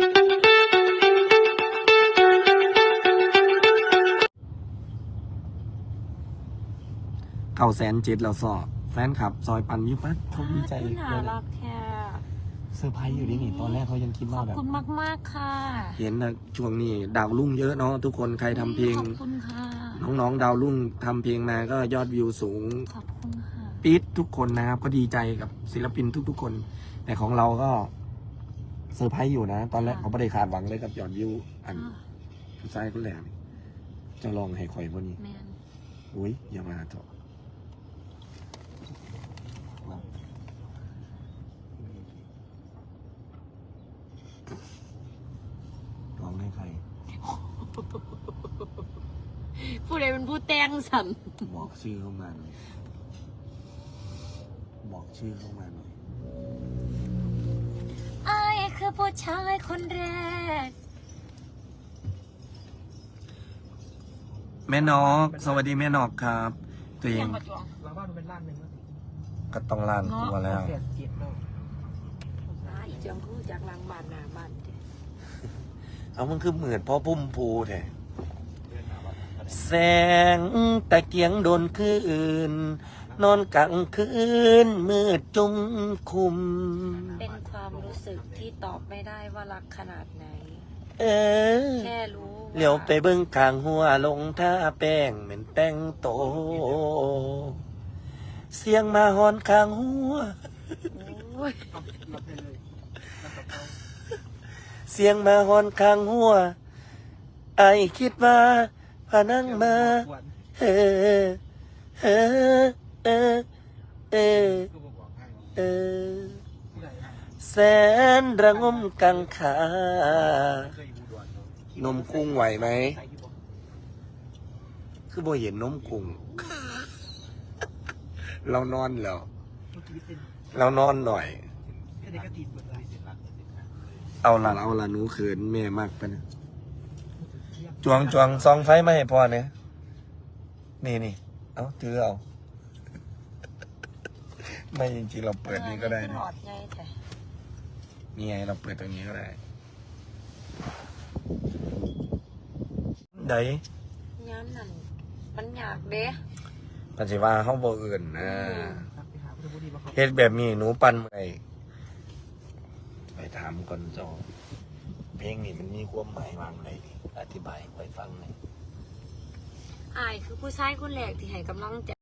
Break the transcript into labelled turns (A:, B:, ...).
A: 907,000แล้วสอแฟนคลับซอยปันยุปักเขาดีใจเลย
B: น่ารักแค่
A: เซอร์ไพรส์อยู่ดินี่ตอนแรกเขายังคิด
B: ข
A: ว่า
B: อบ
A: แบบ
B: คุณมากๆค่ะ
A: เห็นนะช่วงนี้ดาวรุ่งเยอะเนาะทุกคนใครทำเพลง
B: ขอบคุณค่ะ
A: น้องๆดาวรุ่งทำเพลงมาก็ยอดวิวสูง
B: ขอบคุณค่ะ
A: ปี๊ดทุกคนนะครับก็ดีใจกับศิลปินทุกๆคน แต่ของเราก็เซอร์ไพรส์อยู่นะ ตอนแรกเขาไม่ได้คาดหวังเลยกับยอดวิวอันผู้ชายคนแรกนี่จะลองให้ข่อยพวกนี้
B: แมน
A: อุ้ยอย่ามาเถอะลองให้ใคร
B: ผู้ใดเป็นผู้แต่งสัน
A: บอกชื่อเข้ามาหน่อยบอกชื่อเข้ามาหน่อย
B: ไอ้ายคือผู้ชายคนแรก
A: แม่นอกสวัสดีแม่นอกครับ ตัวเอง
C: เราบ้านมันเป็นล้านหนึ่ง
A: ก็ต้องล้านตัวแล้ว
C: เสียเจ็ดแล้ว
B: อีจังคือจากหลังบ้านหน้าบ้าน
A: เอามันคือเหมือนพ่อพุ่มพูแท้แสงตะเกียงโดนคืนนอนกลางคืนมืดจุ่มคุม
B: เป็นความรู้สึกที่ตอบไม่ได้ว่ารักขนาดไหน
A: เออ
B: แค่รู้
A: เหลียวไปเบิ้งข้างหัวลงท่าแป้งเหม็นแต่งโต เสียงมาหอนข้างหัว
B: โอ้ย
C: รับไปเลยรับกับเขา
A: เสียงมาหอนข้างหัวไอคิดว่าพานั่งมาเออเออเออเออเออแสนระงมกังขานมกุ้งไหวไหมคือบ่เห็นนมกุ้ง เรานอนแล้วเรานอนหน่อย
C: แค่นี้ก็ติดหมดเลย
A: เอาละหนูเขินแม่มากไปนะจวงซองไฟมาให้พ่อเนี่ยนี่เอาถือเอา ไม่จริงๆเราเปิดนี้ก็ได้
B: ห
A: นะ
B: ลอดใหญ่แท้
A: นี่ไงเราเปิดตรงนี้ก็ได้ได
B: ย้ำนั่นมันอยากเด้
A: ปัจจุบันเขาบอกอื่นนะ
C: ไปหาพุทธบุรีมาเขา
A: เฮ็ดแบบนี้หนูปั่นไปถามก่อนจอเพลงนี้มันมีความหมายวางไรอธิบายให้ฟังหน่อย
B: อายคือผู้ชายคนแรกที่ให้กำลังใจ